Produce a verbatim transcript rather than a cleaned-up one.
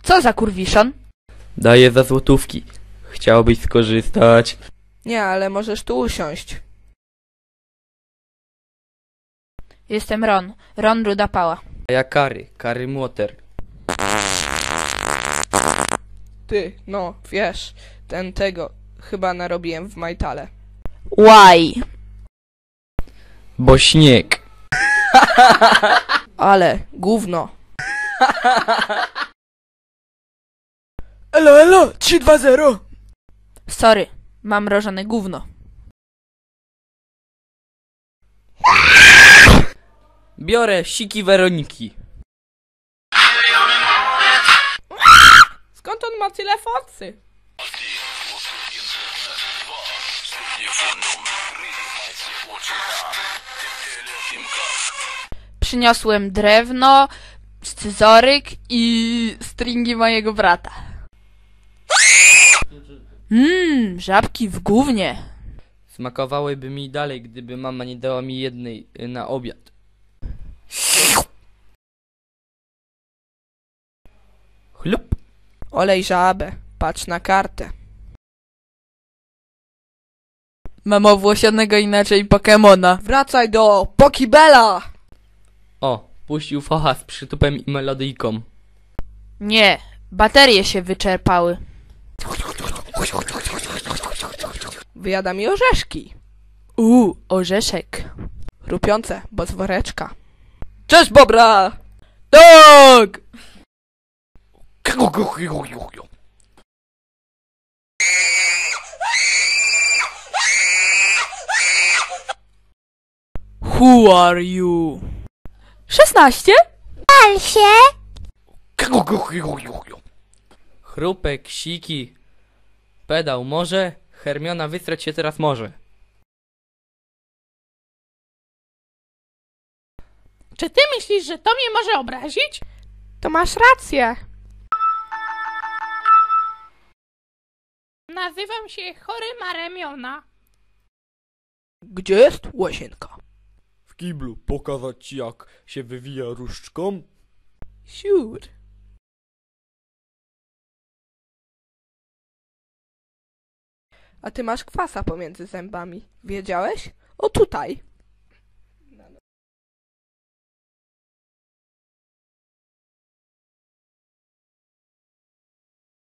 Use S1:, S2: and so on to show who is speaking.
S1: Co za kurwiszon?
S2: Daję za złotówki. Chciałbyś skorzystać?
S3: Nie, ale możesz tu usiąść.
S1: Jestem Ron. Ron Ruda Pała.
S2: A ja Kary. Kary Młoter.
S3: Ty, no, wiesz, ten tego chyba narobiłem w Majtale.
S1: Why?
S2: Bo śnieg.
S3: Ale, gówno. Elo, elo, trzy dwa zero.
S1: Sorry, mam mrożone gówno.
S2: Biorę siki Weroniki.
S3: Skąd on ma tyle focy?
S1: Przyniosłem drewno, scyzoryk i stringi mojego brata. Mmm, żabki w gównie.
S2: Smakowałyby mi dalej, gdyby mama nie dała mi jednej y, na obiad. Chlup.
S3: Olej żabę, patrz na kartę.
S1: Mam owłosionego inaczej Pokemona.
S3: Wracaj do Pokibela!
S2: O, puścił focha z przytupem i melodyjką.
S1: Nie, baterie się wyczerpały.
S3: Wyjada mi orzeszki.
S1: Uuu, orzeszek.
S3: Chrupiące, bo z woreczka.
S1: Cześć, Bobra! Tak! Who are you? szesnaście?
S4: Pal się!
S2: Chrupek, siki. Pedał może. Hermiona wysrać się teraz może.
S5: Czy ty myślisz, że to mnie może obrazić?
S3: To masz rację.
S5: Nazywam się Choryma Remiona.
S3: Gdzie jest łazienka?
S2: W kiblu pokazać ci, jak się wywija różdżką?
S3: Siur. A ty masz kwasa pomiędzy zębami. Wiedziałeś? O tutaj.